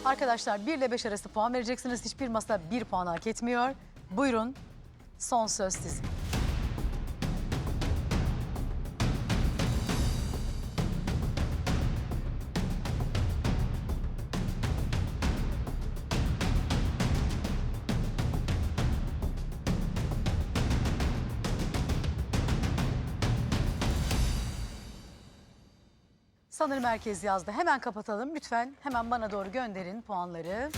Arkadaşlar 1 ile 5 arası puan vereceksiniz. Hiçbir masa 1 puan hak etmiyor. Buyurun, son söz sizin. Sanırım herkes yazdı. Hemen kapatalım. Lütfen hemen bana doğru gönderin puanları.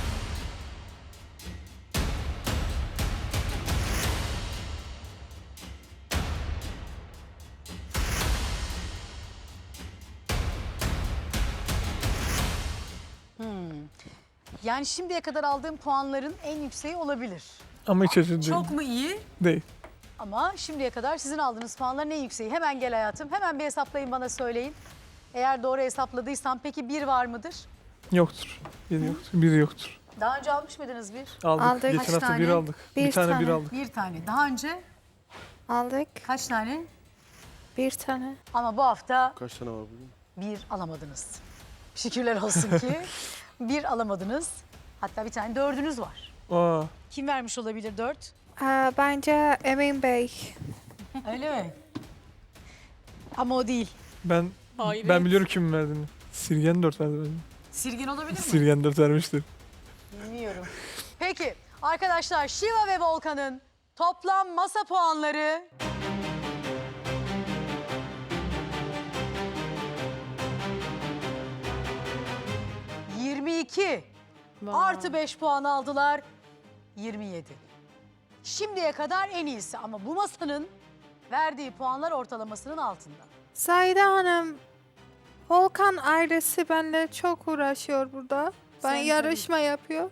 Yani şimdiye kadar aldığım puanların en yükseği olabilir. Ama hiç acı değil. Çok mu iyi? Değil. Ama şimdiye kadar sizin aldığınız puanların en yükseği. Hemen gel hayatım. Hemen bir hesaplayın, bana söyleyin. Eğer doğru hesapladıysam peki 1 var mıdır? Yoktur. Biri yoktur. Biri yoktur. Daha önce almış mıydınız 1? Aldık. Aldık. Geçen Kaç hafta tane? bir aldık. Bir Bir tane tane. bir aldık. 1 tane. Daha önce Aldık. kaç tane? Bir tane. Ama bu hafta Kaç tane var bugün? 1 alamadınız. Şükürler olsun ki 1 alamadınız. Hatta bir tane 4'ünüz var. Aa, Kim vermiş olabilir 4? Bence Emin Bey. Öyle mi? Ama o değil. ben biliyorum kimin verdiğini. Sirgen 4 verdi bence. Sirgin olabilir mi? Sirgen 4 vermiştir. Bilmiyorum. Peki arkadaşlar, Şiva ve Volkan'ın toplam masa puanları... ...22 artı 5 puan aldılar. 27. Şimdiye kadar en iyisi ama bu masanın verdiği puanlar ortalamasının altında. Zahide Hanım, Volkan ailesi benimle çok uğraşıyor burada. Ben Sen yarışma yapıyor.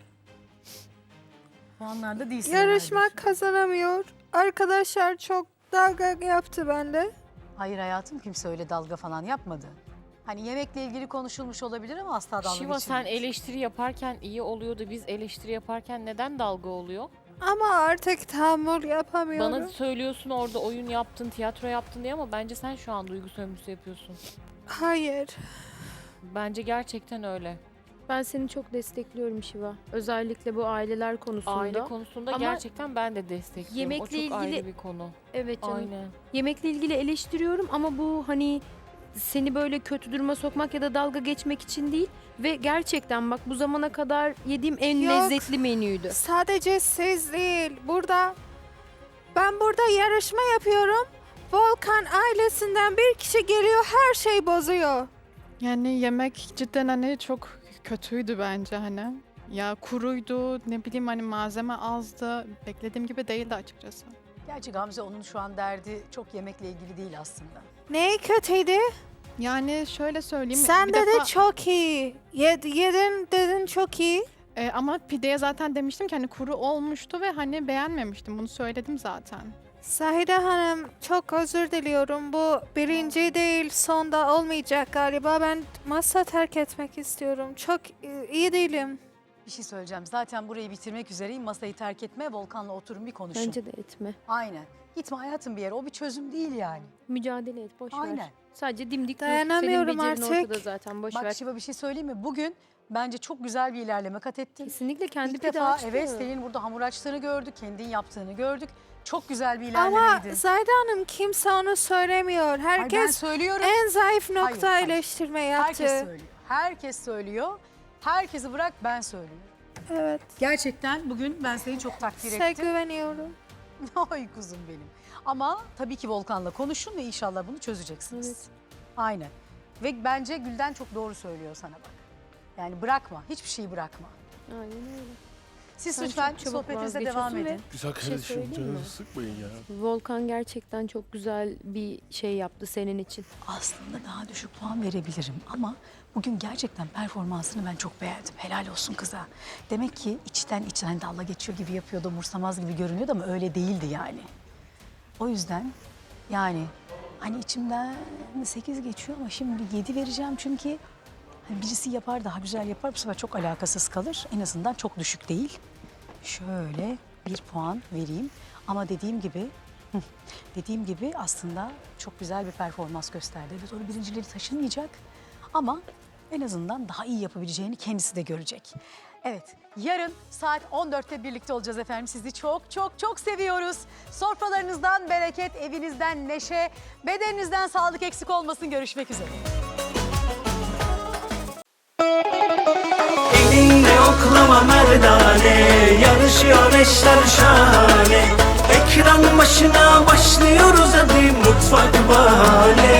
Puanlarda değilsin. Yarışma herhalde. kazanamıyor. Arkadaşlar çok dalga yaptı benimle. Hayır hayatım, kimse öyle dalga falan yapmadı. Hani yemekle ilgili konuşulmuş olabilir ama asla dalga Şiva sen geçilmedi. eleştiri yaparken iyi oluyordu. Biz eleştiri yaparken neden dalga oluyor? Ama artık tahammül yapamıyorum. Bana söylüyorsun orada oyun yaptın, tiyatro yaptın diye ama bence sen şu an duygu sömürüsü yapıyorsun. Hayır. Bence gerçekten öyle. Ben seni çok destekliyorum Şiva. Özellikle bu aileler konusunda. Aile konusunda Ama gerçekten ben de destekliyorum. yemekle o çok ilgili- ayrı bir konu. Evet canım. Aynen. Yemekle ilgili eleştiriyorum ama bu hani seni böyle kötü duruma sokmak ya da dalga geçmek için değil. Ve gerçekten bak, bu zamana kadar yediğim en Yok. lezzetli menüydü. Sadece siz değil. Ben burada yarışma yapıyorum. Volkan ailesinden bir kişi geliyor, her şey bozuyor. Yani yemek cidden hani çok kötüydü bence hani. Ya kuruydu, ne bileyim hani malzeme azdı. Beklediğim gibi değildi açıkçası. Gerçi Gamze, onun şu an derdi çok yemekle ilgili değil aslında. Ne kötüydü? Yani şöyle söyleyeyim. Sen bir dedi defa- çok iyi. Yedin dedin çok iyi. Ama pideye zaten demiştim ki hani kuru olmuştu ve hani beğenmemiştim. Bunu söyledim zaten. Zahide Hanım, çok özür diliyorum. Bu birinci değil, sonda olmayacak galiba. Ben masa terk etmek istiyorum. Çok iyi değilim. Bir şey söyleyeceğim. Zaten burayı bitirmek üzereyim. Masayı terk etme. Volkan'la oturun bir konuşun. Bence de etme. Aynen. Gitme hayatım bir yere. O bir çözüm değil yani. Mücadele et, boş Aynen. ver. Sadece dimdik dur. Dayanamıyorum Senin becerin artık. ortada zaten, boş Bak ver. Şiva, bir şey söyleyeyim mi? Bugün bence çok güzel bir ilerleme kat ettin. Kesinlikle kendi İlk pide defa açtı. evet, senin burada hamur açtığını gördük. Kendin yaptığını gördük. Çok güzel bir Ama ilerlemeydi. Zahide Hanım, kimse onu söylemiyor. Hayır, ben Herkes söylüyorum. en zayıf nokta Hayır. eleştirme yaptı. Herkes söylüyor. Herkes söylüyor. Herkesi bırak, ben söylüyorum. Evet, Gerçekten bugün ben seni çok takdir size ettim. güveniyorum. Ay kuzum benim. Ama tabii ki Volkan'la konuşun ve inşallah bunu çözeceksiniz. Evet. Aynen. Ve bence Gülden çok doğru söylüyor sana bak. Yani bırakma, hiçbir şeyi bırakma. Aynen öyle. Siz Sen lütfen çok çabuk sohbetinize devam vazgeçiyorsun edin. Güzel şey kardeşim, söyleyeyim mi? canınızı sıkmayın ya. Volkan gerçekten çok güzel bir şey yaptı senin için. Aslında daha düşük puan verebilirim ama bugün gerçekten performansını ben çok beğendim. Helal olsun kıza. Demek ki içten dalga geçiyor gibi yapıyordu, umursamaz gibi görünüyordu ama öyle değildi yani. O yüzden yani hani içimden 8 geçiyor ama şimdi 7 vereceğim çünkü hani birisi yapar, daha güzel yapar, bu sefer çok alakasız kalır. En azından çok düşük değil. Şöyle 1 puan vereyim ama dediğim gibi aslında çok güzel bir performans gösterdi. Evet, o birincileri taşınmayacak ama En azından daha iyi yapabileceğini kendisi de görecek. Evet, yarın saat 14'te birlikte olacağız efendim. Sizi çok çok çok seviyoruz. Sofralarınızdan bereket, evinizden neşe, bedeninizden sağlık eksik olmasın. Görüşmek üzere. Elinde oklama merdane, yarışıyor eşler şahane. Ekran başına başlıyoruz hadi mutfak bahane.